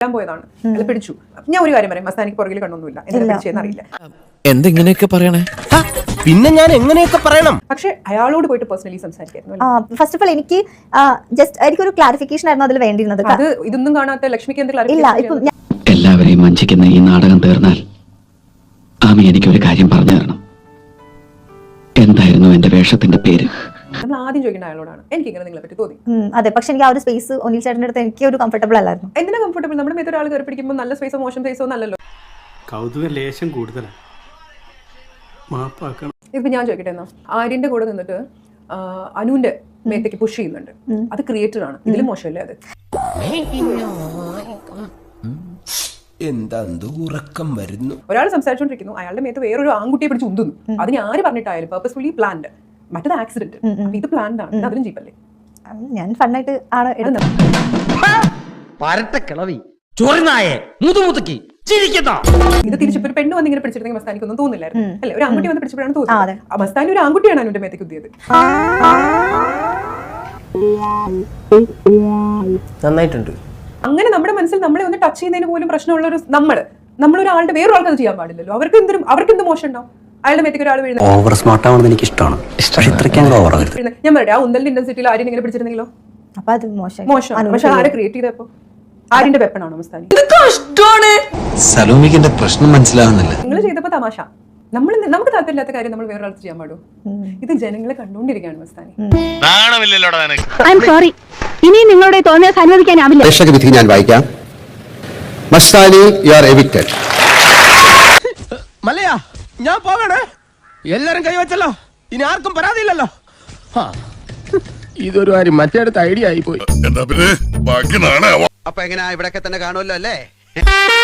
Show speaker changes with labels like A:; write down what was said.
A: പോയതാണ്, അയാൾ പിടിച്ചു. ഞാൻ ഒരു കാര്യം പറയാം, മസ്താനിക്ക് പുറകിൽ കണ്ണൊന്നുമില്ല, എന്തിനാ പിടിച്ചതെന്ന് അറിയില്ല.
B: എന്തെങ്ങനെയൊക്കെ പറയണേ,
C: പിന്നെ ഞാൻ എങ്ങനെയൊക്കെ പറയണം?
A: പക്ഷെ അയാളോട് പോയിട്ട് പേഴ്സണലി സംസാരിക്കായിരുന്നു.
D: ഫസ്റ്റ് ഓഫ് ഓൾ എനിക്ക് ജസ്റ്റ് എനിക്കൊരു ക്ലാരിഫിക്കേഷൻ ആയിരുന്നു അതിൽ വേണ്ടിയിരുന്നത്.
A: അത് ഇതൊന്നും കാണാത്ത ലക്ഷ്മിക്ക്
D: ഇല്ല, ഇപ്പൊ
E: എല്ലാവരെയും വഞ്ചിക്കുന്ന ഈ നാടകം തീർന്നാൽ ആമി എനിക്കൊരു കാര്യം പറഞ്ഞു തരണം. എന്തായിരുന്നു എന്റെ വേഷത്തിന്റെ പേര്?
A: നമ്മൾ ആദ്യം ചോദിക്കേണ്ട അയാളോടാണ്, എനിക്ക് ഇങ്ങനെ നിങ്ങളെ പറ്റി തോന്നി.
D: അതെ, പക്ഷെ എനിക്ക് ആ ഒരു സ്പേസ് ഒന്നിൽ ചേട്ടൻ്റെ അടുത്ത് എനിക്ക് ഒരു കംഫർട്ടബിൾ അല്ലായിരുന്നു.
A: എന്തിനാ കംഫർട്ടബിൾ? നമ്മുടെ മേത്ത് ഒരാൾ കയറി പിടിക്കുമ്പോൾ നല്ല സ്പേസോ മോശം സ്പേസോ നല്ലല്ലോ.
F: കൗതുക ലേശം കൂടുതലാണ്, മാപ്പാക്കണം.
A: ഇപ്പൊ ഞാൻ ചോദിക്കട്ടെ, എന്നാ ആര്യന്റെ കൂടെ നിന്നിട്ട് അനുവിന്റെ മേത്തേക്ക് പുഷ് ചെയ്യുന്നുണ്ട്, അത് ക്രിയേറ്റർ ആണ്, ഇതിലും മോശമല്ലേ അത്?
C: എന്താ ഉറക്കം വരുന്നു.
A: ഒരാൾ സംസാരിച്ചോണ്ടിരിക്കുന്നു, അയാളുടെ മേത്ത് വേറൊരു ആൺകുട്ടിയെ പിടിച്ച് ഉന്തുന്നു. അതിന് ആര് പറഞ്ഞിട്ടായാലും പേർപ്പസ്ഫുള്ളി പ്ലാൻഡ്, മറ്റേത് ആക്സിഡന്റ്. ഇത് പ്ലാൻഡ് ആണ്, അതിലും ജീപ്പല്ലേ?
D: ഞാൻ ഫണ്ണായിട്ട് ആണ് എടുത്തത്.
A: ഇത് തിരിച്ചിപ്പോ ഒരു പെണ്ണ് വന്ന് ഇങ്ങനെ പിടിച്ചിരുന്നെങ്കിൽ മസ്താനിക്കൊന്നും തോന്നില്ലായിരുന്നു അല്ലെ? ഒരു ആൺകുട്ടി വന്ന് പിടിച്ചപ്പോഴാണ് തോന്നുന്നത്. ആ മസ്താനി ഒരു ആൺകുട്ടിയാണ് അനുവിന്റെ മേത്തേക്ക് കുത്തിയത്.
C: നന്നായിട്ടുണ്ട്.
A: അങ്ങനെ നമ്മുടെ മനസ്സിൽ നമ്മളെ ഒന്ന് ടച്ച് ചെയ്യുന്നതിന് പോലും പ്രശ്നമുള്ള ഒരു നമ്മളൊരാളുടെ വേറൊരാൾക്ക് അത് ചെയ്യാൻ പാടില്ലല്ലോ. അവർക്ക് എന്ത് മോശം ഉണ്ടാവും? അയാളുടെ മേത്തേക്ക് ഒരാൾ വീഴുന്നത്.
E: ഓവർ സ്മാർട്ട് ആവുന്നത് എനിക്ക് ഇഷ്ടമാണ്.
A: ഞാൻ പറയാം, ആ ഉന്തലിന്റെ ഇന്റൻസിറ്റിയിൽ ആരും ഇങ്ങനെ പിടിച്ചിരുന്നെങ്കിലോ?
D: അപ്പൊ അത് മോശം.
A: പക്ഷെ ആരെ ക്രിയേറ്റ് ചെയ്തപ്പോ ആര്യന്റെ വെപ്പണാണോ മസ്താനി?
B: സലോമിക്ക് പ്രശ്നം മനസ്സിലാവുന്നില്ല.
A: നിങ്ങൾ ചെയ്തപ്പോ തമാശ. നമുക്ക് താല്പര്യമില്ലാത്ത കാര്യം നമ്മൾ വേറൊരാൾക്ക് ചെയ്യാൻ പാടും? ഇത് ജനങ്ങളെ കണ്ടുകൊണ്ടിരിക്കുകയാണ് മസ്താനി.
G: ഐ എം സോറി, ഇനി നിങ്ങളുടെ തോന്നിയ അനുവദിക്കാനാവില്ല.
H: പ്രേക്ഷക വിധി ഞാൻ വായിക്കാം. Mastani, you are evicted.
C: മല്ലയാ, ഞാൻ പോകണേ. എല്ലാരും കൈവച്ചല്ലോ, ഇനി ആർക്കും പരാതിയില്ലല്ലോ. ഇതൊരു കാര്യം മറ്റേടത്ത് ഐഡിയ ആയി പോയി.
H: അപ്പൊ എങ്ങനെയാ, ഇവിടെയൊക്കെ തന്നെ കാണുമല്ലോ അല്ലേ?